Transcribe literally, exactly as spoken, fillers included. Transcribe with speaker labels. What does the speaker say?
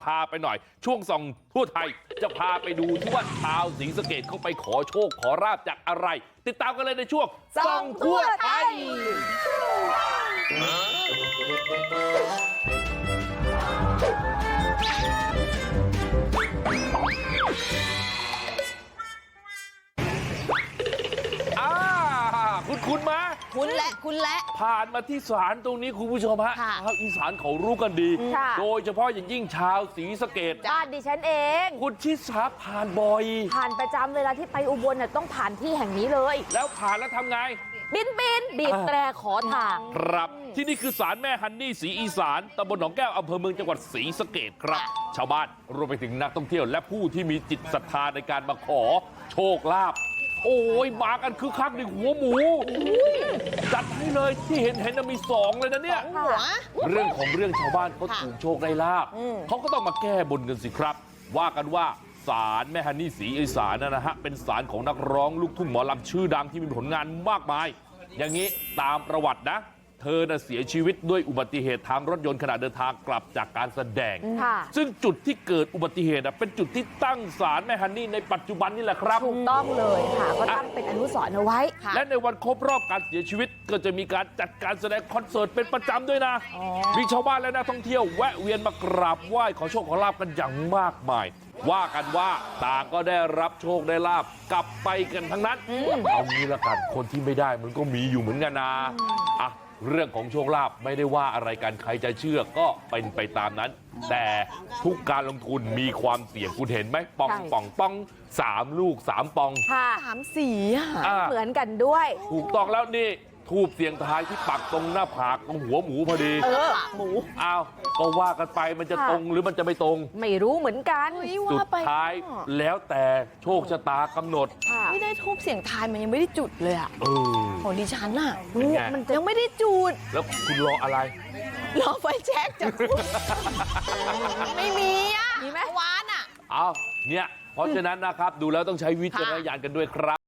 Speaker 1: พาไปหน่อยช่วงส่องทั่วไทยจะพาไปดูที่ว่าชาวศรีสะเกษเขาไปขอโชคขอราบจากอะไรติดตามกันเลยในช่วงส่องทั่วไทยคุณคุณมา
Speaker 2: คุณและคุณและ
Speaker 1: ผ่านมาที่ศาลตรงนี้คุณผู้ชมฮะชาวอีสานเขารู้กันดีโดยเฉพาะอย่างยิ่งชาวศรีสะเกษ
Speaker 3: บ้านดิฉันเอง
Speaker 1: คุณชิสาผ่านบ่อย
Speaker 3: ผ่านประจำเวลาที่ไปอุบลเนี่ยต้องผ่านที่แห่งนี้เลย
Speaker 1: แล้วผ่านแล้วทำไง
Speaker 3: บินบินบีบแตรขอทาง
Speaker 1: ครับที่นี่คือศาลแม่ฮันนี่ศรีอีสานตำบลหนองแก้วอำเภอเมืองจังหวัดศรีสะเกษครับชาวบ้านรวมไปถึงนักท่องเที่ยวและผู้ที่มีจิตศรัทธาในการมาขอโชคลาภโอ้ยมากันคือคักในหัวหมูจัดให้เลยที่เห็นเห็นมีสองเลยนะเนี่ยเรื่องของเรื่องชาวบ้านเขาถูกโชคได้ลาภเขาก็ต้องมาแก้บนกันสิครับว่ากันว่าศาลแม่ฮันนี่ศรีอีสานนะฮะเป็นศาลของนักร้องลูกทุ่งหมอลำชื่อดังที่มีผลงานมากมายอย่างนี้ตามประวัตินะเธอน่ะเสียชีวิตด้วยอุบัติเหตุทางรถยนต์ขณะเดินทางกลับจากการแสดงซึ่งจุดที่เกิดอุบัติเหตุเป็นจุดที่ตั้งศาลแม่ฮันนี่ในปัจจุบันนี่แหละครับ
Speaker 3: ถูกต้องเลยค่ะก็ตั้งเป็นอนุสรณ์เอาไว้
Speaker 1: และในวันครบรอบการเสียชีวิตก็จะมีการจัดการแสดงคอนเสิร์ตเป็นประจำด้วยนะมีชาวบ้านและนักท่องเที่ยวแวะเวียนมากราบไหว้ขอโชคขอลาภกันอย่างมากมายว่ากันว่าต่างก็ได้รับโชคได้ลาภกลับไปกันทั้งนั้นเอางี้ละกันคนที่ไม่ได้มันก็มีอยู่เหมือนกันนะอ่ะเรื่องของโชคลาภไม่ได้ว่าอะไรกันใครจะเชื่อก็เป็นไปตามนั้นแต่ทุกการลงทุนมีความเสี่ยงคุณเห็นไหมปองป่องป้องสามลูกสามปอง
Speaker 3: สามสีเหมือนกันด้วย
Speaker 1: ถูกต้องแล้วนี่ทูบเสียงทายที่ปักตรงหน้าผากตรงหัวหมูพอดี
Speaker 3: เออหมู
Speaker 1: อ้าวก็ว่ากันไปมันจะตรงหรือมันจะไม่ตรง
Speaker 3: ไม่รู้เหมือนกัน
Speaker 1: สุดท้ายแล้วแต่โชคชะตากำหนด
Speaker 2: ไม่ได้ทูบเสียงทายมันยังไม่ได้จุดเลยอ่ะของดิฉันอ่ะ
Speaker 3: มันยังไม่ได้จุด
Speaker 1: แล้วคุณรออะไร
Speaker 2: รอไฟแช็กจากคุณไม่มีอ่ะมีไหมวานอ่ะ
Speaker 1: อ้าวเนี่ยเพราะฉะนั้นนะครับดูแล้วต้องใช้วิจารณญาณกันด้วยครับ